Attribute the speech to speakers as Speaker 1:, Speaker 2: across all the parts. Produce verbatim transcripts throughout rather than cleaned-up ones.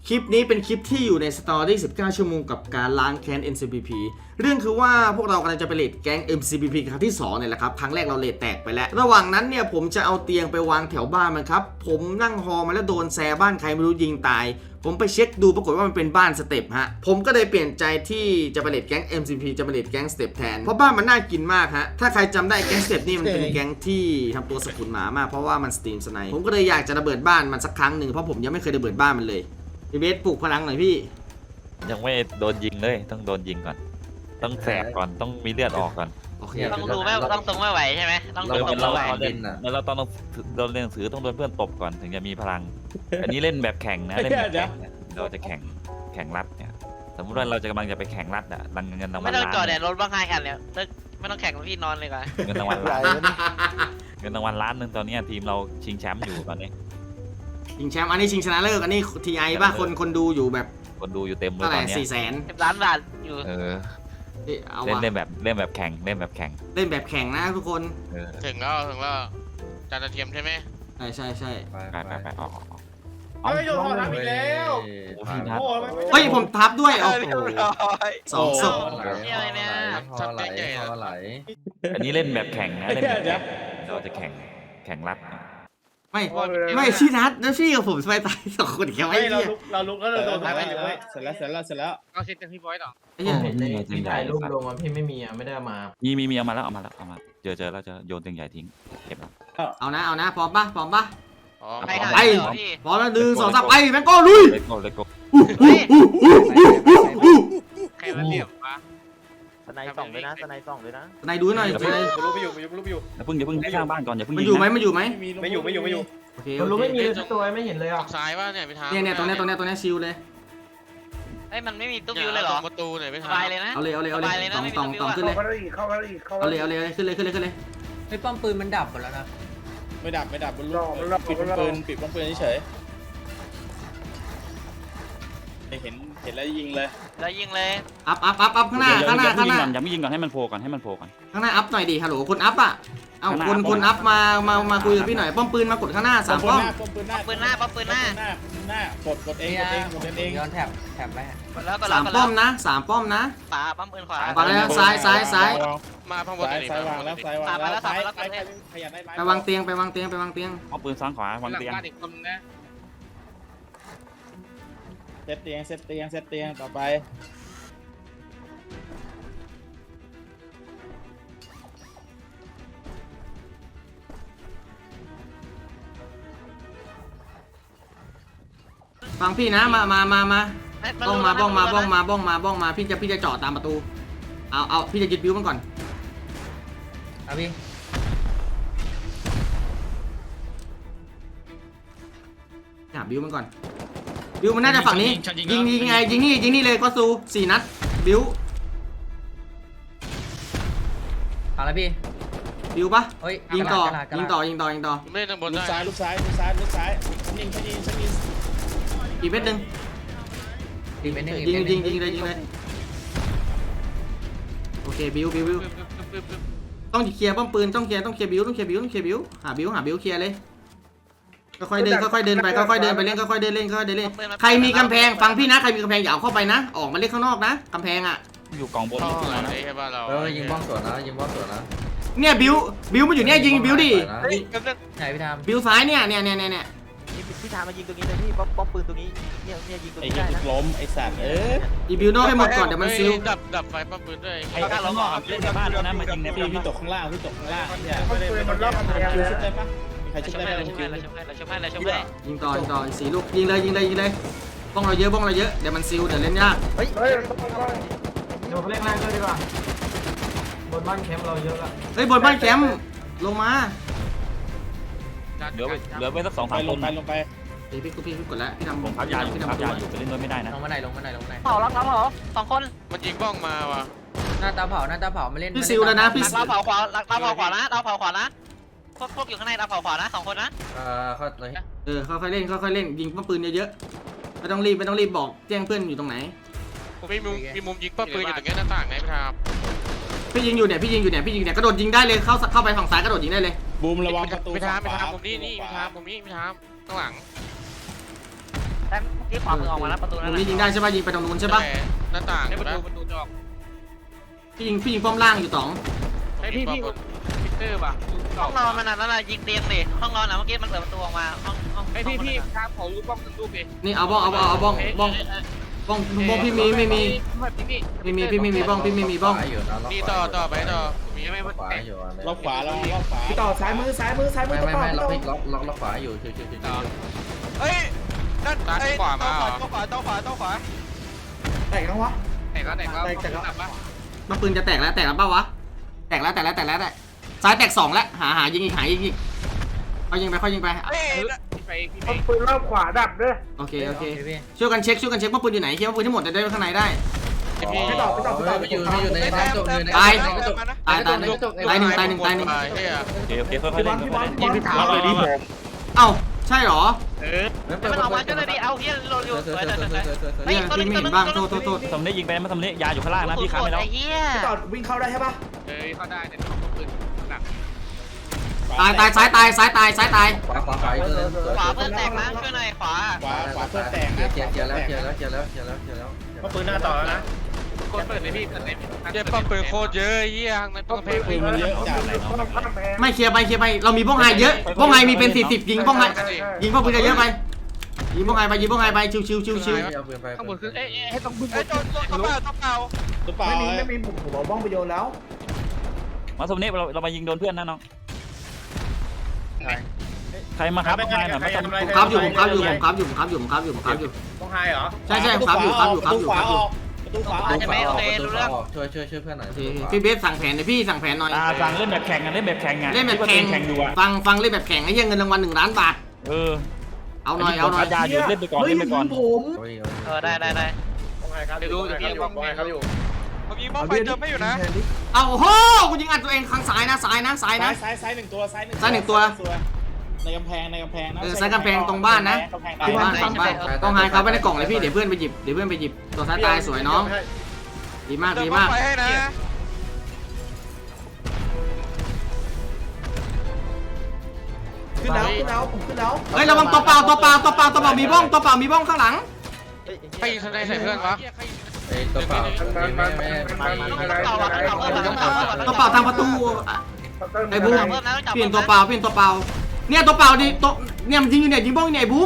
Speaker 1: คลิปนี้เป็นคลิปที่อยู่ในสตอรี่สิบเก้าชั่วโมงกับการล้างแค้น เอ็น ซี พี พี เรื่องคือว่าพวกเรากำลังจะไปเลดแก๊ง เอ็ม ซี พี พี ครั้งที่สองเนี่ยแหละครับครั้งแรกเราเลดแตกไปแล้วระหว่างนั้นเนี่ยผมจะเอาเตียงไปวางแถวบ้านมันครับผมนั่งฮอมาแล้วโดนแซบ้านใครไม่รู้ยิงตายผมไปเช็คดูปรากฏว่ามันเป็นบ้านสเต็ปฮะผมก็เลยเปลี่ยนใจที่จะไปเลดแก๊ง เอ็ม ซี พี จะไปเลดแก๊งสเต็ปแทนเพราะบ้านมันน่ากินมากฮะถ้าใครจำได้แก๊งสเต็ปนี่มันเป็นแก๊งที่ทำตัวสกุลหมามากเพราะว่ามันสตรีมสไนป์ผมก็เลยอยากจะระเบิดบ้านมันสักครั้งหนึ่งเพราะผมยังไม่เคยระเบิดบ้านมันเลยพี่เบสปลุกพลังหน่อยพี่
Speaker 2: ยังไม่โดนยิงเลยต้องโดนยิงก่อนต้องแสบก่อนต้องมีเลือดออกก่อน
Speaker 1: โอเค
Speaker 3: ต้องดูไม่ต้องทรงไม่ไหวใช่ไหมต้อง
Speaker 2: เรา
Speaker 3: ทรง
Speaker 2: เรา
Speaker 3: ไม่ไหว
Speaker 2: เราเล่นแล้วเราต้องโดนเรียนหนังสือต้องโดนเพื่อนตบก่อนถึงจะมีพลังอันนี้เล่นแบบแข่งนะเล่นแบบแข่งเราจะแข่งแข่งรัดเนี่ยสมมติว่าเราจะกำลังจะไปแข่งรัดอะรังเงินรางวัล
Speaker 3: ไม่ต้อง
Speaker 2: ล้าน
Speaker 3: จอดเนี่ยรถบ้างไห้กันเนี่ยไม่ต้องแข่งพี่นอนเลยก่อน
Speaker 2: เงินรางวัลล้านเงินรางวัลล้านหนึ่งตอนนี้ทีมเราชิงแชมป์อยู่ตอนนี้
Speaker 1: ชิงแชมป์อันนี้ชิงชนะเลิศอันนี้ทีไอป่ะคนคนดูอยู่แบบ
Speaker 2: คนดูอยู่เต็มเลย
Speaker 1: เท่าไห
Speaker 2: ต
Speaker 1: ร่
Speaker 2: อนนี้
Speaker 1: สี่แสน
Speaker 3: สิบล้านบาทอยู่
Speaker 2: เออ
Speaker 1: เอา
Speaker 2: เล่น
Speaker 1: วะ
Speaker 2: เล่นแบบเล่นแบบแข่งเล่นแบบแข่ง
Speaker 1: เล่นแบบแข่งนะทุกคน
Speaker 2: เออ
Speaker 4: ถึงแล้วถึงแล้วจานกระเทียมใช่ไหม
Speaker 1: ใช่ใช่ใช่
Speaker 2: ไปไปไปออก
Speaker 5: เฮ้ยโยนหอทำอีกแล้ว
Speaker 2: โอ้โห
Speaker 1: เฮ้ยผมทับด้วยโอ้โหสองศพ
Speaker 3: เนี่ยอะไรเนี่ย
Speaker 4: ทำใหญ่ๆ
Speaker 5: ไหล
Speaker 2: อันนี้เล่นแบบแข่งนะเล่นแบบแข่งเราจะแข่งแข่งรัด
Speaker 1: ไม่ไม่พี่นัทแล้วพี่กับผมไปตายสองคนแค่ไอ้
Speaker 5: เฮ้ยเรา
Speaker 1: เหี้ย
Speaker 5: ลุกเราลุกแล้วเราโดนทำไปอยู่เว้ยเสร็จแล้วเสร็จแล้วเสร็จแล้ว
Speaker 4: เอาเซ็ตกันพี่บอยต่อ
Speaker 1: ไอ้เหี้ย
Speaker 6: พี่ถ่ายรูปลงมาพี่ไม่มีอ่ะไม่ได้มา
Speaker 2: มีมีมีเอามาแล้วเอามาแล้วเอามาเจอเจอแล้วจะโยนตึงใหญ่ทิ้งเก็บแล้ว
Speaker 1: เอานะเอานะพร้อมปะพร้อมปะ
Speaker 4: อ๋อ
Speaker 3: ใครหา
Speaker 1: ไป
Speaker 3: เหรอพี่
Speaker 1: พร้อมแล้วหนึ่งสองสามไปแมงโก้ลุย
Speaker 2: เลโก้เลโก้
Speaker 4: ใครมาเรียบปะ
Speaker 6: สไนส่องเลยนะสไนส่องเลยนะ
Speaker 1: นายดูหน่อยนาย
Speaker 5: กูรู้ไปอยู่กูรู้ไปอยู่
Speaker 2: อย่าเพิ่งอย่าเพิ่งให้สร้างบ้านก่อนอย่าเพิ่ง
Speaker 1: มันอยู่ไหมมันอยู่ไหม
Speaker 5: ไม่อยู่ไม่อยู่ไม่อยู่
Speaker 1: โอเค
Speaker 6: มัน
Speaker 1: โอ
Speaker 6: รู้
Speaker 1: เค
Speaker 6: ไม่มีเลยสักตัวไม่เห็นเลย
Speaker 4: อ
Speaker 6: อ่ะ
Speaker 4: อกซ้ายว่าเนี่ยไปทาง
Speaker 1: เนี่ยเนี่ยตรงเนี้ยตรงเนี้ยตรงเนี้ยชิลเลย
Speaker 3: เฮ้ยมันไม่มีตู้วิวเลยเหรอ
Speaker 4: ประตูเนี่ยไป
Speaker 3: ส
Speaker 4: ทาง
Speaker 3: บายเลยนะ
Speaker 1: เอาเลยเอาเลยเอาเลย
Speaker 3: สบายเลยนะ
Speaker 1: ตอง
Speaker 3: ไม่มี
Speaker 1: ตอง
Speaker 3: ตัว
Speaker 1: ตอง
Speaker 3: วิวอะ
Speaker 1: ขึ้นเลย
Speaker 5: เข้าได้เข้าได้เข้า
Speaker 1: เอาเลยเอาเลยเอาเลยขึ้นเลยขึ้นเลยขึ้นเลย
Speaker 7: ไอ้ป้อมปืนมันดับหมดแล้วนะ
Speaker 5: ไม่ดับไม่ดับมันลุกปิดปืนปิดปืนเฉยเห็นเห็นแล้วยิงเลย
Speaker 3: แล้วยิงเลย
Speaker 1: อัพอัพอัพอัพข้างหน้าข้างหน้าข้างหน้า
Speaker 2: อย่าไม่ยิงก่อนให้มันโผล่ก่อนให้มันโผล่ก่อน
Speaker 1: ข้างหน้าอัพหน่อยดิฮัลโหลคนอัพอ่ะเอา
Speaker 2: ข้างหน้า
Speaker 1: คน
Speaker 2: อัพ
Speaker 1: คนอัพมามามาคุยกับพี่หน่อยป้อมปืนมากดข้างหน้าสามป้อม
Speaker 5: ป้อมปืนหน้า
Speaker 3: ปืนหน้าปั๊มปืนหน้า
Speaker 5: หน้าหน้ากดกดเองกดเองกดเอง
Speaker 7: ย้อนแถบแถบไว้
Speaker 3: กดแล้วกดแล้
Speaker 1: สาว ม
Speaker 3: กด
Speaker 1: ป้
Speaker 3: แล้
Speaker 1: อ
Speaker 3: ว
Speaker 1: มนะสามป้อมนะ
Speaker 3: ขวาปั๊มปืนขวา
Speaker 1: ขวาแล้วซ้ายซ้ายซ้าย
Speaker 4: มาข้างบน
Speaker 5: ซ้าย
Speaker 4: เลย
Speaker 5: ซ้ายวางแล้วซ้ายวางแล้วซ้ายซ้ายขยันได้
Speaker 1: ไปวางเตียงไปวางเตียงไปวางเตียง
Speaker 2: เอาปืนซ้ายขวาวางเตียง
Speaker 4: บ้านอีกคนนะ
Speaker 5: เซตเตียงเซตเตียงเซตเตียงต่อไป
Speaker 1: ฟังพี่นะมามามามาบ้องมาบ้องมาบ้องมาบ้องมาบ้องมาพี่จะพี่จะเจาะตามประตูเอาเอาพี่จะยึดบิ้วมันก่อน
Speaker 7: เอาพี่
Speaker 1: หาบิ้วมันก่อนบิ้วมันน่าจะฝั่งนี้ยิงยิงไงยิงนี่ยิงนี่เลยก็ซูสี่นัดบิ้ว
Speaker 7: เอาละพี่
Speaker 1: บิ้วปะ
Speaker 7: เฮ้ย
Speaker 1: ยิงต่อก
Speaker 7: ระดาษกระดาษ
Speaker 1: ยิงต่อยิงต่อยิงต่อ
Speaker 4: ไม่ได้ทางบน
Speaker 5: ลู
Speaker 4: ได้
Speaker 5: กซ้ายลูกซ้ายลูกซ้ายลูกซ้ายฉันยิงฉันยิงฉันยิง
Speaker 1: อีกเม็ดหนึ่ง
Speaker 7: ดีเป็นหนึ่ง
Speaker 1: ยิงยิงยิงเลยยิงเลยโอเคบิ้วบิ้วบิ้วต้องเคลียร์ป้อมปืนต้องเคลียร์ต้องเคลียร์บิ้วต้องเคลียร์บิ้วต้องเคลียร์บิ้วหาบิ้วหาบิ้วเคลียร์เลยค่อยๆเดินค่อยๆเดินไปค่อยๆเดินไปเล่นค่อยๆเดินเล่นค่อยๆเดินเล่นใครมีกำแพงฟังพี่นะใครมีกำแพงอย่าเอาเข้าไปนะ ออกมาเล่นข้างนอกนะกำแพงอ่ะ
Speaker 2: อยู่กองบน
Speaker 4: ท่อ
Speaker 2: นี่คือ
Speaker 4: อะ
Speaker 2: อะไร
Speaker 4: ไร
Speaker 2: นะ
Speaker 4: ใช่ป่ะเรา
Speaker 6: เออยิงบ้องสวนนะยิงบ้องสวนนะ
Speaker 1: เนี่ยบิ้วบิ้วมันอยู่เนี่ยยิงบิ้วดิ
Speaker 3: เฮ้ยแป๊บนึง
Speaker 7: ไหนพี่ทำ
Speaker 1: บิ้วซ้ายเนี่ยเนี่ยเนี่ยเนี่ย
Speaker 6: พี่ทามายิงตรงนี้เลยพี่ป้อมป้อมปืนตรงนี้เนี่ยเนี่ยยิงตรง
Speaker 5: ไอ้
Speaker 6: นี้
Speaker 5: เหี้
Speaker 6: ได้
Speaker 5: ย
Speaker 6: นะ
Speaker 5: ล้มไอ้สัตว์เออ
Speaker 1: อีบิ้วนอกให้หมดก่อนเดี๋ยวมันซิล
Speaker 4: ดับดับไฟปั๊มปืนด้วย
Speaker 2: ไอ้ข้างนอกเล่นในบ้านแล้วนะมายิงใน
Speaker 5: พี่
Speaker 2: บ้าน
Speaker 5: พี่ตกข้างล่างพี่ตกข้างล่างเนี่ยไม่ได้ไม่ได้คิวชุดได้ปะมีใคร
Speaker 3: เรา
Speaker 5: ชุด
Speaker 3: ชม
Speaker 5: ได้
Speaker 3: ให้
Speaker 5: ปะ
Speaker 3: เราชม
Speaker 5: คิ
Speaker 3: ให้
Speaker 5: ว
Speaker 3: เราชมให้เราชมให้เราชมให้
Speaker 1: ยิงต่อยิงต่ออีกสี่ลูกยิงเลยยิงเลยยิงเลยบ้องเราเยอะบ้องเราเยอะเดี๋ยวมันซิลเดี๋ยวเล่นยาก
Speaker 6: เฮ้ย
Speaker 7: เดี๋ยวเขาเล่นแรงด้วยดีกว่าบนบ้านแคมป์เราเยอะละ
Speaker 1: เฮ้ยบนบ้านแคมป์ลงมา
Speaker 2: เหลือเหลือไว้สักสอง
Speaker 5: ไป
Speaker 2: สาม
Speaker 5: ล
Speaker 2: ค
Speaker 5: ง
Speaker 2: น
Speaker 5: ไปลงไป
Speaker 1: พี่พี่พี่พี่กดแล้วพี่ทำ
Speaker 2: ผมพับยาอยู่
Speaker 1: พี่
Speaker 2: พับ
Speaker 1: ทำ
Speaker 2: ยาอยู่ไปเล่นด้วยไม่ได้นะ
Speaker 7: ลงมาไหนลงมาไหนลงมาไหน
Speaker 3: เผาล็อกเราเผาสองคน
Speaker 4: มันยิงบ้องมาว่ะ
Speaker 7: หน้าตาเผาหน้าตาเผามาเล่น
Speaker 1: พี่ซิลแล้วนะพี่
Speaker 3: เราเผาขวาเราเผาขวานะเราเผาขวานะพวกพวกอยู่ข้างในเราเผาขวานะสองคนนะ
Speaker 6: เออเขาเลย
Speaker 1: เออค่อยๆเล่นค่อยๆเล่นยิงป้อมปืนเยอะๆไม่ต้องรีบไม่ต้องรีบบอกแจ้งเพื่อนอยู่ตรงไหน
Speaker 4: มีมุมมีมุมยิงปั๊มปืนอยู่ตรงนี้หน้าต่างไหนพี่ทาม
Speaker 1: พี่ยิงอยู่เนี่ยพี่ยิงอยู่เนี่ยพี่ยิงเนี่ยกระโดดยิงได้เลยเข้าเข้าไปฝั่งซ้ายกระโดดยิงได้เลย
Speaker 5: บูมระวังประตู
Speaker 4: พี่ทามพี่ทามมุมนี้นี่พี่ทามมุมนี้พี่ทามข้างหลัง
Speaker 3: แต่ที่ขวามือออกมาแล้วประตู
Speaker 1: ต
Speaker 3: นั่
Speaker 1: ร
Speaker 3: น
Speaker 1: ง
Speaker 3: แห
Speaker 1: นี้
Speaker 3: ละ
Speaker 1: ยิงได้ใช่ป่ะยิงไปตรงนู้นใช่ป่ะ
Speaker 4: หน้าต่าง
Speaker 5: ให้ประ
Speaker 4: นะ
Speaker 5: ตูประตูจะออก
Speaker 1: พี่ยิงพี่ยิงป้อมล่างอยู่ต๋อง
Speaker 5: ไอพี่พี่พิเตอร์ป่ะ
Speaker 3: ห้องนอนมันนั่นน่ะยิงเตียงดิห้องนอนน่ะเมื่อกี้มันเปิดประตูออกมาห้องห้อง
Speaker 5: ไอพี่พี่ครับขอรู้บ้องทั้งลูกดิ
Speaker 1: นี่เอาบ้องเอาบ้องเอาบ้องบ้องบ้องบ้องพี่มีไม่มี
Speaker 5: พี่
Speaker 1: ไม่มีพี่ไม่มีบ้องพี่ไม่มีบ้อง
Speaker 4: นี่ต่อต่อไปต่อมี
Speaker 5: ไม่
Speaker 4: ไหม
Speaker 5: ไม่
Speaker 8: ขวาอยู่อะไร
Speaker 5: ล็อกขวาแล้วล็อกขวา
Speaker 7: พี่ต่อซ้ายมือซ้ายมือซ้ายมื
Speaker 8: ไม่
Speaker 7: อ
Speaker 8: ไม่
Speaker 7: ต่อ
Speaker 8: ไม่
Speaker 7: พี่
Speaker 8: ล็อก
Speaker 7: ต่อ
Speaker 8: พลิกล็อกล็อกล็อกขวาอยู่ชิวชิวชิวชิว
Speaker 3: เฮ้ย
Speaker 4: ด้านซ้ายขวามาเหรอ
Speaker 3: ขวาเต้าขวาเต้าขวา
Speaker 7: แตกยังวะ
Speaker 5: ไหนก็ไหนก็
Speaker 7: แตกแตกแล้ว
Speaker 1: มันปืนจะแตกแล้วแตกแล้วเปล่าวะแตกแล้วแตกแล้วแตกแล้วแตกซ้ายแตกสองแล้วหาหายิงอีกหายิงอีกค่อยยิงไปค่อยยิงไป
Speaker 5: พี่ไปพี่ไป
Speaker 7: ปืนรอบขวาดับด้วย
Speaker 1: โอเคโอเคช่วยกันเช็คช่วยกันเช็คว่าปืนอยู่ไหนเช็คว่าปืนทั้งหมดจะได้ข้างในได้
Speaker 7: พี่ต่อพี่ต่อพี่ต่อ
Speaker 8: ไม่อยู่ไม่อยู่ในในจบอยู่ใน
Speaker 1: ตาย
Speaker 8: ในจบ
Speaker 1: ตายตายตายหนึ่งตายหนึ่งตายหนึ่ง
Speaker 4: เฮีย
Speaker 2: โอเคโอเคค่อยๆเล่นค่อยๆเล่น
Speaker 7: พี่ถาม
Speaker 5: เลยดิผม
Speaker 1: เอ้าใช่เหรอ
Speaker 5: เออ
Speaker 3: มันออกมาช่วยเลยดิเอาเฮียโดนอยู่
Speaker 8: เสือ
Speaker 3: สวย
Speaker 8: เสื
Speaker 3: ส
Speaker 8: อ
Speaker 3: วย
Speaker 8: เสือ
Speaker 3: สวย
Speaker 8: เสือเสือ
Speaker 1: เนี่ยพี่ไม่เห็นบ้างโทษโทษโทษ
Speaker 2: ทำนี้ยิงไปไม่ทำนี้ยาอยู่ข้างล่างนะพี่ค้าไปแล้ว
Speaker 3: ไอ้เหี้ย
Speaker 7: พี่ต่อวิ่งเข้าได้ใช่ปะ
Speaker 5: เออเข้าได้แต่ต้องปืนหนัก
Speaker 1: ตายตายซ้ายตายซ้ายตายซ้ายตาย
Speaker 8: ขวาขวาขวาอีกตัวนึง
Speaker 3: ขวาเพื่อนแตกนะช่วยหน่อยขวา
Speaker 5: ขวาขวาเพื่อแตก
Speaker 8: เกียร์เกียร์เกียร์แล้วเกียร์แล้วเกียร์แล้วเกียร์แล้วเกียร์แล้ว
Speaker 5: มาปืนหน้าต่อแล้วนะกดเปิดเลยพี่เปิดเลย
Speaker 4: เจ็บป้อมปืนโคตรเยอะเฮียในป้อมเพลง
Speaker 5: ปืนมันเยอะจัดเลย
Speaker 1: ไม่เคลียร์ไปเคลียร์ไปเรามีบ้องไฮเยอะบ้องไฮมีเป็นสี่สิบยิงบ้องไฮยิงบ้องปืนเยอะไปยิงบ้องไฮไปยิงบ้องไฮไปชิวชิวชิวชิว
Speaker 8: เอาปืนไป
Speaker 5: ข้างบนคือเอ๊ะให้ต้องปืน
Speaker 4: ไอ้โดนตัวเปล่าตัวเปล่า
Speaker 5: ตัวเปล่า
Speaker 7: ไม่มีไม่มีผมผมเอาบ้องไปโยนแล้ว
Speaker 2: มาสมนี้เราเรามายิงโดนเพื่อนนะน้องใครมาครับมาหน่อยมาสม
Speaker 1: ผมครับอยู่ผมครับอยู่ผมครับอยู่ผมครับอยู่ผมครับอยู่ผมครับอยู่
Speaker 5: ต้องไฮเหรอ
Speaker 1: ใช่ใช่ครับอยู่ครับอยู่ครับอยู่ครับอยู่
Speaker 5: ประตูขวา
Speaker 8: ประตูขวาออกประตูขวาออกช่วยช่วยช่วยเพื่อนหน่อย
Speaker 1: โอเคพี่เบสสั่งแผนหน่อยพี่สั่งแผนหน่อย
Speaker 2: อ่าสั่งเล่นแบบแข่งกันเล่นแบบแข่งอ่ะ
Speaker 1: เล่นแบบแข่ง
Speaker 2: แข่งอยู่อ่ะ
Speaker 1: ฟังฟังเล่นแบบแข่งไอ้เหี้ยเงินรางวัลหนึ่งล้านบาท
Speaker 2: เออ
Speaker 1: เอาหน่อยเอาหน่อย
Speaker 2: ยาอยู่เล่นไปก่อน
Speaker 7: เฮ้ย
Speaker 2: เล่นไปก่อน
Speaker 7: ผม
Speaker 8: โอ้ย
Speaker 3: เออได้ได้ได้
Speaker 5: ต้องไฮครับดูดูพี่บ้องไฮครับอยู่
Speaker 4: ผมยิงป้อมไฟเติมไม่อยู่นะ
Speaker 1: เอาโอ้โหกูยิงอัดตัวเองข้างซ้ายนะซ้ายนะซ้าย
Speaker 5: ซ้า
Speaker 1: นะ
Speaker 5: ยซ้ายซ้ายหนึ่งตัวซ้ายหนึ่ง
Speaker 1: ซ้ายหนึ่งตัว
Speaker 5: ในกำแพงในกำแพงนะ
Speaker 1: เออซ้ายกำแพงตรงบ้านนะ
Speaker 5: กำแพง
Speaker 1: ฝั่งบ้านฝั่งบ้านต้องไฮเขาไปในกล่องเลยพี่เดี๋ยวเพื่อนไปหยิบเดี๋ยวเพื่อนไปหยิบตัวซ้ายตายสวยน้องดีมาก
Speaker 4: เติม
Speaker 1: ดี
Speaker 4: ป้อ
Speaker 1: มาม ก
Speaker 4: ไฟให้นะ
Speaker 7: ขึ้นแล้วขึ้นแล้วผมขึ้นแล้ว
Speaker 1: เฮ้ยระวังตัวเปล่าตัวเปล่าตัวเปล่าตัวเปล่ามีบ้องตัวเปล่ามีบ้องข้างหลัง
Speaker 4: ใครยิงสไนใส่เพื่อนวะ
Speaker 8: ไอ้ตัวเปล่าไม่ไม่ไม่ไม่ไม่
Speaker 3: ต้องเก่าอ่ะต้องเก่าเพิ่มต้องเก่า
Speaker 1: ตัวเปล่าทางประตูไอ้บูม
Speaker 3: เพิ่มนะต้องจับ
Speaker 1: เปลี่ยนตัวเปล่าเปลี่ยนตัวเปล่าเนี่ยตัวเปล่าดิตัวเนี่ยมันยิงอยู่เนี่ยยิงบ้องอยู่เนี่ยไอ้บูม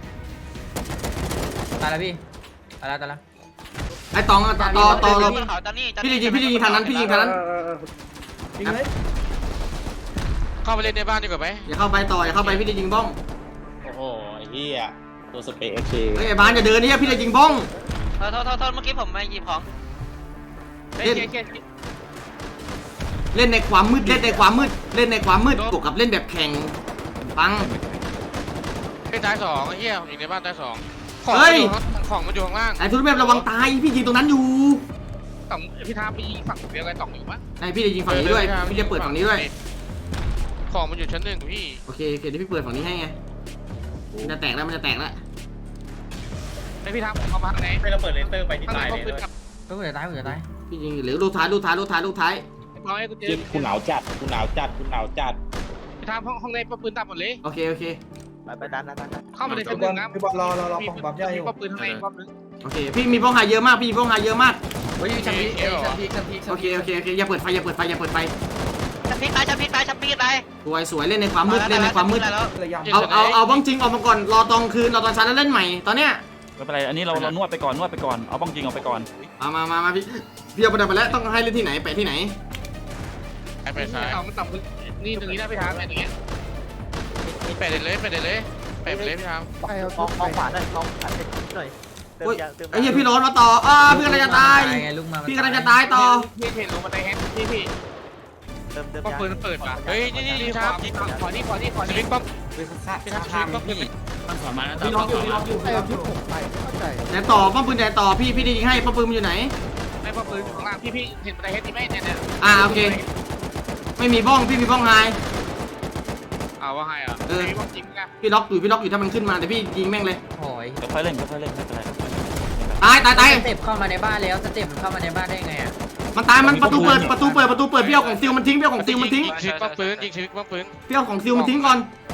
Speaker 6: ตายแล้วพี่ตายแล้วตายแล้ว
Speaker 1: ไอ้ตองต่อต่อต่อเรา
Speaker 3: เขาตอนนี้
Speaker 1: พี่ยิงพี่ยิงทางนั้นพี่ยิงทางนั้น
Speaker 7: ยิงเลย
Speaker 4: เข้าไปเล่นในบ้านดีกว่าไหม
Speaker 1: อย่าเข้าไปต่ออย่าเข้าไปพี่จะยิงบ้อง
Speaker 5: โอ้โหไอ้เหี้ยตัวสเปรย์เอเค
Speaker 1: เฮ้ยไอ้บ้านอย่าเดินเนี่ยพี่จะยิงบ้อง
Speaker 3: โทษโทษโทษเมื่อกี้ผมมาหยิบของ
Speaker 5: เล่นเกม
Speaker 1: เล่นในความมืดเล่นในความมืดเล่นในความมืดบวกกับเล่นแบบแข่งปัง
Speaker 4: เล่นท้ายสองไอ้เหี้ยผมยิงในบ้านท้ายสองของมันอยู่ข้างล่าง
Speaker 1: ไอ้ทุกแบบระวังตายพี่ยิงตรงนั้นอยู่
Speaker 5: สองพี่ท้าไปยิงฝั่งเดียวกันสองอยู่ปะ
Speaker 1: ไอ้พี่จะยิงฝั่งนี้ด้วยพี่จะเปิดฝั่งนี้ด้วย
Speaker 4: ของมันอยู่ชั้นหนึ่งพี่
Speaker 1: โอเคโอเคเดี๋ยวพี่เปิดฝั่งนี้ให้ไงมันจะแตกแล้วมันจะแตกแล้ว
Speaker 5: ไอพี่ท้าผมเข้ามาข้างในให้เราเปิดเลเซอร์ไปที่ตายเลย
Speaker 6: ก็เหลือตายเหลือตาย
Speaker 1: พี่ยิงเหลือลูกท้ายลูกท้ายลูกท้ายลูกท้าย
Speaker 5: พอให้กูเจอคุณหนาวจัดคุณหนาวจัดคุณหนาวจัดพี่ท้าห้องห้องในปืนตัดหมดเลย
Speaker 1: โอเคโอเค
Speaker 6: ไปไปดันดันดัน
Speaker 5: เข้ามาใน
Speaker 7: พี่
Speaker 5: ชั้น
Speaker 7: บ
Speaker 5: ห
Speaker 7: อ
Speaker 5: นึ่
Speaker 7: ล
Speaker 5: งนะ
Speaker 7: พี่บอลรอรอรอผมปั๊มยาอยู่
Speaker 5: มีปืนข้างในปั๊มนึง
Speaker 1: โอเคพี่มีบ้องหายเยอะมากพี่มีบ้องหายเยอะมาก
Speaker 8: โอ้ยชั้นพีชั้นพีชั้นพี
Speaker 1: โอเคโอเคโอเคอย่าเปิดไฟอย่าเปิดไฟอย่าเปิดไฟ
Speaker 3: ชับพีตายชับพีตายชับพีตาย
Speaker 1: สวยสวยเล่นในความมืดเล่นในความมืด
Speaker 3: แล้ว
Speaker 7: ระยำ
Speaker 1: เอาเอาเอาบ้องจริงออกมาก่อนรอตอนคืนรอตอนเช้าแล้วเล่นใหม่ตอนเนี้ย
Speaker 2: ไม่เป็นไรอันนี้เราเรานวดไปก่อนนวดไปก่อนเอาบ้องจริงออกไปก่อน
Speaker 1: เอามามามาพี่พี่เอาไปดับไปแล้วต้องให้เล่นที่ไหนไปที่ไหน
Speaker 4: ไปไปซ้าย
Speaker 5: เอามันต่ำนี่ตรงนี้ได้พี่ท้าแบบนี้
Speaker 4: ไปเด็ดเลยไปเด็ดเลยไปไปเลยพี่ทาม
Speaker 6: มองมองขวาหน่อยมองขวาหน่อยเติม
Speaker 1: โอ้ย
Speaker 6: ยาเติม
Speaker 1: ไอ้เหี้ยพี่ร้อนมาต่ออ้าพี่กำลังจะตาย
Speaker 6: ไงลุกมา
Speaker 1: พี่กำลังจะตายต่อ
Speaker 5: พี่เห็นลงมาในแฮนด์พี่พี่
Speaker 6: เติมเติม
Speaker 5: ป้อม
Speaker 6: ยา
Speaker 5: ปืนเปิดป่ะ
Speaker 4: เฮ้ยนี่นี่พี่ทาม
Speaker 5: ขอนี่ขอนี่ขอ
Speaker 4: ส
Speaker 5: นี่
Speaker 4: วิงป้อม
Speaker 5: พี่ท้าทำป้อมปืน
Speaker 7: พี่ล็อกอยู่พี่ล็อกอยู่พี่ล็อกอยู่
Speaker 1: แต่ต่อป้อมปืนแต่ต่อพี่พี่จะยิงให้ป้อมปืนมันอยู่ไหน
Speaker 5: ไม่ป้อมปืนข้างล่างพี่พี่เห็นในแฮนด์นี่ไหมเนี่ยเนี่ย
Speaker 1: อ่าโอเค ไม่มีบ้องพี่มีบ้องไฮ
Speaker 5: เอาว่าไงอ่ะมีป้อมจริงนะ
Speaker 1: พี่ล็อกอยู่พี่ล็อกอยู่ถ้ามันขึ้นมาแต่พี่ยิงแม่งเลย
Speaker 6: โอ้ย
Speaker 2: ค่อยๆเล่นค่อยๆเล่นไม่เป็นไร
Speaker 1: ตายตายตาย
Speaker 6: สเต็ปเข้ามาในบ้านแล้วสเต็ปมันเข้ามาในบ้านได้ไงอ่ะ
Speaker 1: มันตายมันประตูเปิดประตูเปิดประตูเปิดพี่เอาของซิลมันทิ้งพี่เอาของซิลมันทิ้ง
Speaker 4: ยิงชีวิตป้อมปืนยิงชีวิตป้อมปืน
Speaker 1: พี่เอาของซิลมันทิ้งก่อน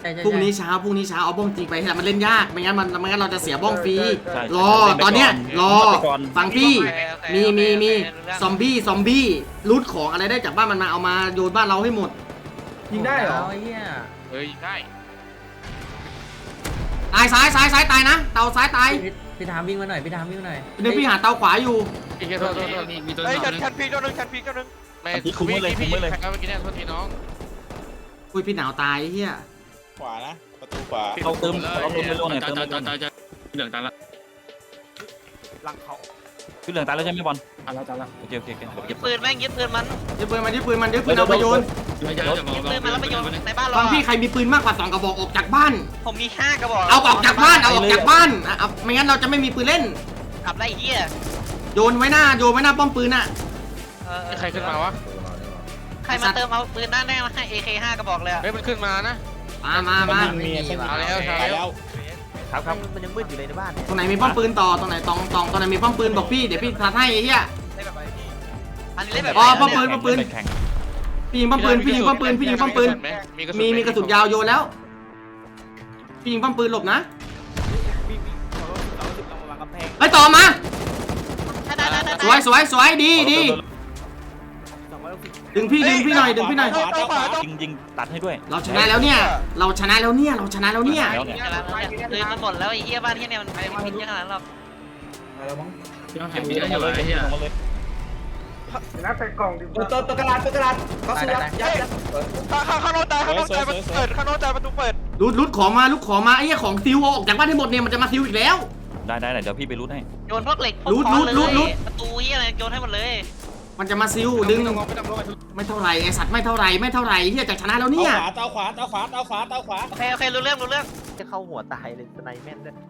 Speaker 8: ใช่ใช่
Speaker 1: พรุ่งนี้เช้าพรุ่งนี้เช้าเอาบ้องจริงไปแต่มันเล่นยากไม่งั้นมันไม่งั้นเราจะเสียบ้องฟรี
Speaker 2: ใช่
Speaker 1: รอตอนเนี้ยรอ
Speaker 2: ไปก่อน
Speaker 1: ฟังพี่
Speaker 3: โอเคโอเค
Speaker 1: มีมีมี
Speaker 3: โอเครู้เรื่อง
Speaker 1: ซอมบี้ซอมบี้รูทของอะไรได้จากบ้านมันมาเอามาโยนบ้านเราให้หมด
Speaker 7: ยิงได้เหรอ
Speaker 8: ไอ้เหี้ย
Speaker 4: เฮ้ยได้
Speaker 1: ตายซ้ายซ้ายซ้ายตายนะเตาซ้ายตาย
Speaker 8: พี่พี่ทามวิ่งมาหน่อยพี่ทามวิ่งมาหน่อย
Speaker 1: เดี๋ยวพี่หาเตาขวาอยู่
Speaker 4: ไอ้เหี้ยโทษโทษโทษ
Speaker 9: มีตัว
Speaker 6: เฮ้ย
Speaker 9: นึ
Speaker 6: ชัน
Speaker 9: ง
Speaker 6: ชันพีกตัวนึงชันพีกตัวนึง
Speaker 4: ไม่
Speaker 2: คุมไว้เลยคุมไว้เลย
Speaker 4: แข่งกันเมื่อกี้เนี่ยโทษทีน้อง
Speaker 1: อุ้ยพี่หนาวตายไอ้เฮีย
Speaker 5: ขวานะประตูขวา
Speaker 2: เราเติมเราเติมไปโลหน่อย
Speaker 9: ตา
Speaker 2: เติ
Speaker 9: ย
Speaker 2: ม
Speaker 9: ตาย
Speaker 2: ไปโล
Speaker 9: ตาย
Speaker 2: หน่อย
Speaker 9: ตายเหลืองตายละ
Speaker 6: หลังเขา
Speaker 2: คือเหลืองตายแล้วใช่ไหมบอล
Speaker 9: ตายละตายละ
Speaker 2: โอเคโอเคโอเคเดี๋ยว
Speaker 3: ยึ
Speaker 2: เก็
Speaker 3: ด
Speaker 2: บ
Speaker 3: ปืนแม่งยึดปืนมัน
Speaker 1: ยึดปืนมันยึดปืนมันยึดปืนเอาไปโยน
Speaker 9: ไม่ใช่จะบอก
Speaker 3: ยึดปืนมันแล้วไปโยนในบ้านเรา
Speaker 1: ฟัง
Speaker 3: อะ
Speaker 1: พี่ใครมีปืนมากกว่าสองกระบอกออกจากบ้าน
Speaker 3: ผมมีห้ากระบอก
Speaker 1: เอาออกจากบ้านเอาออกจากบ้านอ่ะเอาไม่งั้นเราจะไม่มีปืนเล่น
Speaker 3: กลับได้ไอ้เหี้ย
Speaker 1: โยนไว้หน้าโยนไว้หน้าป้อมปืนอ่ะ
Speaker 3: เออเออ
Speaker 4: ใครขึ้นมาวะ
Speaker 3: ใครมาเติมเอาปืนหน้าแน่มาให้ เอ เค ห้ากระบอกเลยอะ
Speaker 4: เฮ้ยมันขึ้นมานะ
Speaker 1: มามามา
Speaker 5: มีเส้น
Speaker 4: เอาแล้ว
Speaker 5: ตายแล้ว
Speaker 2: ครับครับ
Speaker 6: มันยังมืดอยู่เลยในบ้านเนี่ย
Speaker 1: ตรงไหนมีป้อมปืนต่อตรงไหนตองตองตรงไหนมีป้อมปืนบอกพี่เดี๋ยวพี่ทัดให้ไอ้เหี้ย
Speaker 3: อันนี้เล่นแบบ
Speaker 1: อ๋อ
Speaker 3: ไหน
Speaker 1: ป้อมปืน
Speaker 3: เนี่ย
Speaker 1: ป้อมปืน
Speaker 2: แข่ง
Speaker 1: พี่ยิงป้อมปืนพี่ยิงป้อมปืนพี่ยิงป้อมปืน มีมีกระสุนยาวโยนแล้ว พี่ยิงป้อมปืนหลบนะ
Speaker 6: มีมีขอรถสองสิบลงมาวางกำแพง
Speaker 1: ไอ้ยต่อมา
Speaker 3: ได้ได้ได้
Speaker 1: สวยสวยสวยดีดี
Speaker 6: สองร้อยหกสิบ
Speaker 1: ดึงพี่ดึงพี่หน่อยดึงพี่หน่อย
Speaker 5: ขวาขวาขวา
Speaker 2: ยิงยิงตัดให้ด้วย
Speaker 1: เราชนะแล้วเนี่ย เราชนะแล้วเนี่ย เราชนะแล้วเนี่ย
Speaker 2: แล้วเนี่ย
Speaker 3: กำลังปืนมันหมดแล้วไอ้เหี้ยบ้านเหี้ยเนี่ยมันไม่มีพิษเยอะขนาดนั้นหรอก
Speaker 8: แล้วมั้ง
Speaker 9: ยังแข่งเยอะอยู่ไอ้เหี้ย
Speaker 2: ลงมาเลย
Speaker 7: นักใส่กล่องดิ
Speaker 6: ตัวตัวกระดาษตัวกระดาษก็ซื้อยัดยัดข้างข้างโน้นตายข้างโน้นตายเปิดข้างโน้นตายประตูเปิด
Speaker 1: รุดรุดของมาลุกของมาไอ้เหี้ยของซิวเอาออกจากบ้านให้หมดเนี่ยมันจะมาซิวอีกแล้ว
Speaker 2: ได้ได้เดี๋ยวพี่ไปรูดให้
Speaker 3: โยนพวกเหล็กพวก
Speaker 1: รูด
Speaker 3: ค้อน
Speaker 1: รูด
Speaker 3: เล
Speaker 1: รูด
Speaker 3: ยประตูเหี้ยอะไรโยนให้หมดเลย
Speaker 1: มันจะมาซิวดึงไม่เท่าไหร่ไอ้สัตว์ไม่เท่าไหร่ไม่เท่าไหร่เฮียจะชนะแล้ว
Speaker 5: เตา
Speaker 1: เนี่ย
Speaker 5: ขวาเตาขวาเตาขวาเตาขวาเตาขวา
Speaker 3: โอเคโอเครู้เรื่องรู้เรื่อง
Speaker 6: จะเข้าหัวตายเลยสไนแม่นด้วย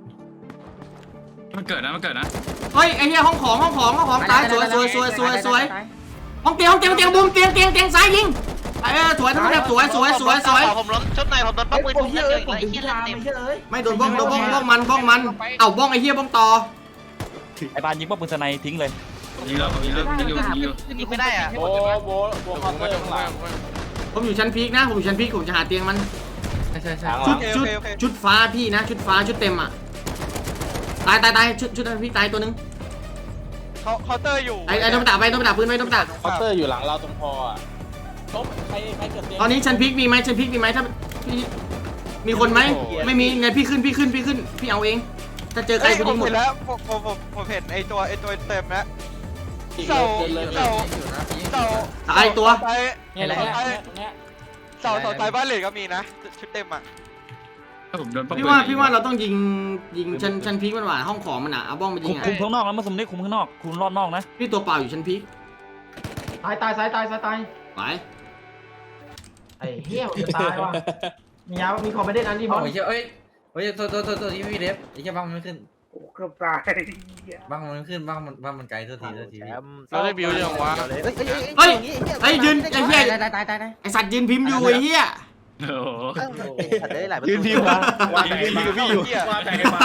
Speaker 9: มันเกิดนะมันเกิดนะ
Speaker 1: เฮ้ยไอ้เหี้ยห้องของห้องของห้องของตายสวยสวยสวยสวยสวยห้องเตียงห้องเตียงเตียงบูมเตียงเตียงเตียงซ้ายยิงเออสวยทั้งหมดสวยสวยสวยสวย
Speaker 3: ผมล้มชุดในผมโดนป้อมปืน
Speaker 6: โอ้
Speaker 3: ผม
Speaker 6: ย
Speaker 3: เย
Speaker 6: เย
Speaker 3: อะ
Speaker 6: อะ
Speaker 3: อีก
Speaker 6: ผม
Speaker 3: แล้วไอ้
Speaker 6: ถึง
Speaker 3: เหี้ย
Speaker 6: พิ
Speaker 3: เลือด
Speaker 6: ธา
Speaker 3: เต็ม
Speaker 6: ไม่เยอะเลย
Speaker 1: ไม่โดนบ้องโดนบ้องบ้องมันบ้องมันเอ้าบ้องไอ้เหี้ยบ้องต่อ
Speaker 2: ไอ้บานยิงป้อมปืนสไนทิ้งเลย
Speaker 9: ยิงแล้วยิงแล้วยิงอยู่ยิงอยู่
Speaker 3: ยิงไม่ได้อะ
Speaker 5: โบโบโบเคาน์เตอร์ข้างหลัง
Speaker 1: ผมอยู่ชั้นพีคนะผมอยู่ชั้นพีคผมจะหาเตียงมัน
Speaker 8: ใช่ใช่ใช่
Speaker 5: หลัง
Speaker 1: ชุดชุดชุดฟ้าพี่นะ ชุดฟ้าชุดเต็มอ่ะตายตายตายชุดชุดนั้นพี่ตายตัวนึง
Speaker 6: เขาเคาน์เตอร์อยู่
Speaker 1: ไอ้ไอ้โดนตาไปโดนตาพื้นไปโดนตา
Speaker 5: เคาน์เตอร์อยู่หลังเราตรงคออ่ะตบใครใครเกิดเตียง
Speaker 1: ตอนนี้ชั้นพีคมีไหมชั้นพีคมีไหมถ้าพี่มีคนไหมไม่มีไงพี่ขึ้นพี่ขึ้นพี่ขึ้นพี่เอาเองถ้าเจอใคร
Speaker 6: เฮ้ย
Speaker 1: กู
Speaker 6: ผ
Speaker 1: ยิ
Speaker 6: ม
Speaker 1: งหมด
Speaker 6: เห็นแล้วผมผมผมผมเห็นไอตัวไอตัวเต็มแล้ว
Speaker 5: อีก
Speaker 6: เสา
Speaker 5: เกินเลย
Speaker 6: เสา
Speaker 8: อยู่นะยิง
Speaker 6: เสา
Speaker 1: ตายตัว
Speaker 6: ไป
Speaker 5: เนี่ยแหละเนี่ยเนี่ย
Speaker 6: เสาเสาไทยบ้านเหล็กก็มีนะชุดเต็มอ่ะ
Speaker 9: ถ้าผมโดนป้อม
Speaker 1: พี่ว่าพี่ว่าเราต้องยิงยิงชั้นชั้นพีคมันหว่าห้องของมันอ่ะเอาบ้องไปยิ
Speaker 2: คุ
Speaker 1: ง
Speaker 2: ม
Speaker 1: อ่ะ
Speaker 2: คุมข้างนอกนะมาสมได้คุมข้างนอกคุณรอดนอกนะ
Speaker 1: พี่ตัวเปล่าอยู่ชั้นพีค
Speaker 7: ตายตายซ้ายตายซ้ายตาย
Speaker 1: ไป
Speaker 7: ไอ้เหี้ยผมจะตายว่ะมียามีคอมเมดี้อันที่บอล
Speaker 8: โอ้ยเฮ้ยเฮ้ยตัวตัวตัวตัวที่พี่เดฟไอ้แค่บ้างมันไม่ขึ้น
Speaker 7: เกือบตาย
Speaker 8: บ้างมันไม่ขึ้นบ้างมันบ้างมันไกลตัวทีตัวที
Speaker 4: เราได้บิวยังวะ
Speaker 6: เฮ้ย
Speaker 1: เฮ้ยยืนไอ้เหี้ย
Speaker 8: ตายตายตายตาย
Speaker 1: ไอสัตว์ยืนพิมพ์อยู่ไอ้เหี้ย
Speaker 9: โอ้โห
Speaker 6: ยืนพิมพ์
Speaker 5: วางแต่มาพี่อยู่วางแต่มา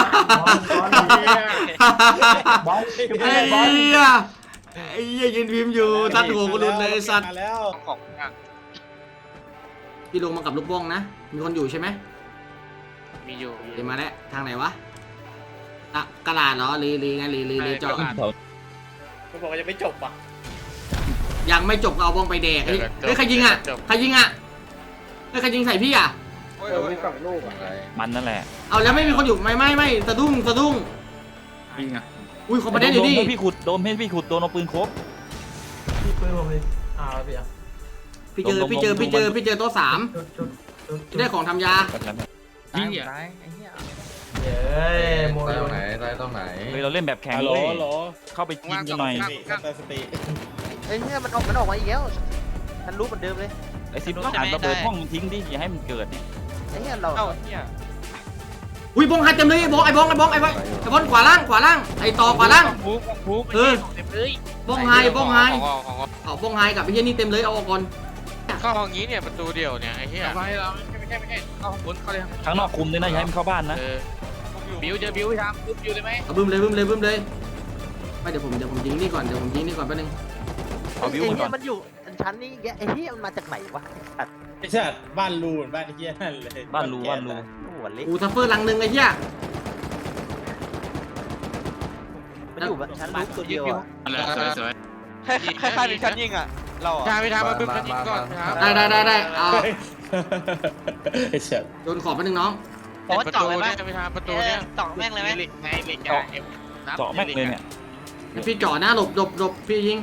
Speaker 7: บอล
Speaker 1: ไอ้เหี้ยไอ้เหี้ยยืนพิมพ์อยู่ทัดหัวกูหลุดเลยไอ้สัตว์
Speaker 5: มาแล้ว
Speaker 4: ของ
Speaker 1: พี่ลงมากับลูกบ้องนะมีคนอยู่ใช่ไหม
Speaker 4: มีอยู่
Speaker 1: เดี๋ยวมาแล้วทางไหนวะอะกระดาษเหรอหรือหรือไงหรือหรือหรือเจาะ
Speaker 5: เขาบอกว่ายังไม่จบอ่ะ
Speaker 1: ยังไม่จบก็เอาบ้องไปแดกเฮ้ยเฮ้ยใครยิงอ่ะใครยิงอ่ะเฮ้ยใครยิงใส่พี่อ่ะ
Speaker 7: เออมีสองลูกอ่ะ
Speaker 2: มันนั่นแหละ
Speaker 1: เอาแล้วไม่มีคนอยู่ไม่ไม่ไม่สะดุ้งสะดุ้ง
Speaker 9: ยิงอ่ะ
Speaker 1: อุ้ยคอมประเด็นอยู่ดิ
Speaker 2: โดนพี่ขุดโดนพี่ขุดโดนเอาปืนครบ
Speaker 7: พี่ปืนผมเลยอ่าพี่อ่ะ
Speaker 1: พี่เจอพี่เจอพี่เจอพี่เจอโต๊ะสาม
Speaker 7: จุดจุดจุด
Speaker 1: ที่ได้ของทำยา
Speaker 8: ตายตายไอ้เหี้ย
Speaker 7: เย้โม
Speaker 8: ตาย
Speaker 7: เด
Speaker 8: ตร
Speaker 7: ล
Speaker 8: งไหนตายตรงไหน
Speaker 2: เฮ้ยเราเล่นแบบแข่ง
Speaker 5: ฮัลโหล
Speaker 2: เลย
Speaker 5: ฮัลโหล
Speaker 2: เข้าไปยิงกันหน่อย
Speaker 5: สติสติ
Speaker 6: ไอ้เนี่ยมันออกมันออกมาอีกแล้วฉันรู้เหมือนเดิมเลย
Speaker 2: ไอ้ซิมต้องอ่านระเบิดห้องมันทิ้งดิอย่าให้มันเกิดเนี่ย
Speaker 6: ไอ้เนี่ยเรา
Speaker 3: เอ้าเนี่ย
Speaker 1: อุ้ยบ้องหัดเต็มเลยไอ้บ้องไอ้บ้องไอ้บ้องไอ้บ้องไอ้บ้องขวาล่างขวาล่างไอ้ต่อขวาล่าง
Speaker 4: ฟุกฟุก
Speaker 1: เออ
Speaker 3: เต็มเลย
Speaker 1: บ้องไฮบ้องไฮ
Speaker 4: ของของของ
Speaker 1: เอาบ้องไฮกับไอ้เหี้ยนี่เต็มเลยเอาออกก่อน
Speaker 4: เข้าห้องนี้เนี่ยประตูเดียวเนี่ยไอ้เหี้ยไฟเราไม่ใช่ไม่ใช่เข้าห้องบนเข้าเลย
Speaker 2: ข้างนอกคุมด้วยนะอย่าให้มันเข้าบ้านนะ
Speaker 4: เออบิวเจอบิวทำปุ๊บบิวเลยไหม
Speaker 1: เอาบึ้มเลยบึ้มเลยบึ้มเลยไปเดี๋ยวผมเดี๋ยวผมยิงนี่ก่อนเดี๋ยวผมยิงนี่ก่อนแป๊บนึง
Speaker 2: เอาบิว
Speaker 6: ไอ้
Speaker 2: มันก่
Speaker 6: เนี่
Speaker 2: อย น
Speaker 6: มันอยู่ชั้นนี้แกไอ้เนี่ยมันมาจากไหนวะ
Speaker 5: ไอ้สัตว์บ้านรูนบ้านไอ้เหี้ยนั่นเลย
Speaker 2: บ้านรูบ้านรู
Speaker 6: หัวเล็ก
Speaker 1: อูทัฟเฟอร์ลังหนึ่งไอ้เหี้ย
Speaker 6: มันอยู่ชั้นลูกตัวเดียวอ่ะ
Speaker 9: อะไรสวยสวย
Speaker 6: ให้ให้ใครเป็นชั้นยิงอ่ะเรา
Speaker 4: ทา
Speaker 6: อ่ะ
Speaker 4: งพี่ทางมาบึ้มชั้นยิงก่อนครับ
Speaker 1: ได้ได้ได้ได้เอา
Speaker 5: ไอ้สัตว์
Speaker 1: โดนขอบไปหนึ่งน้อง
Speaker 3: ผมว่าเจาะเลยไหม
Speaker 4: พี่ทางประตู
Speaker 3: เออ
Speaker 4: เนี่ย
Speaker 3: เจาะแม่งเลยไหม
Speaker 2: เจาะเจาะแม็กเลยเนี่ย
Speaker 1: ให้พี่จ่อหน้าหลบหลบหลบพี่ยิง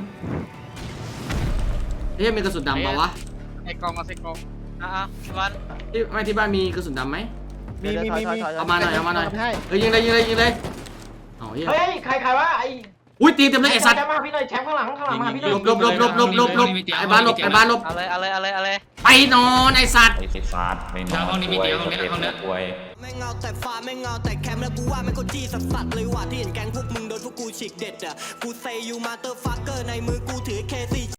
Speaker 1: เฮ้ยมีกระสุนดำเปล่าวะ
Speaker 4: ไอ้กองมาใส่กอง
Speaker 3: อ่ะๆวัน
Speaker 1: ที่ไม่ที่บ้านมีกระสุนดำไหม
Speaker 6: มีมีมีมี
Speaker 1: เอามาหน่อยเอามาหน่อยเฮ้ยยิงเลยยิงเลยยิงเลยเอาเฮ้ย
Speaker 7: เฮ้ยใครใครวะไอ้
Speaker 1: อุ้ยตีเต็มเลยไอ้สัตว์
Speaker 7: แชมป์มาพี่หน่อยแชมป์ข้างหลังข้างหลังมาพี่หน่อย
Speaker 1: หลบหลบหลบหลบหลบหลบหลบไอ้บ้านหลบไอ้บ้านหลบ
Speaker 3: เอาเลยเอาเลยเอาเลยเอาเลย
Speaker 1: ไปนอนไอ้สัตว์
Speaker 2: ไอ้ฟาดไม่นอนป่วย
Speaker 10: ไม่เงาแต่ฟ้าไม่เงาแต่แคมป์แล้วกูว่าไม่ก็จี้สัสสัสเลยว่ะที่เห็นแกงพวกมึงโดนพวกกูฉีกเด็ดอ่ะกูเซยูมาเตอร์ฟักเกอร์ในมือกูถือเคซี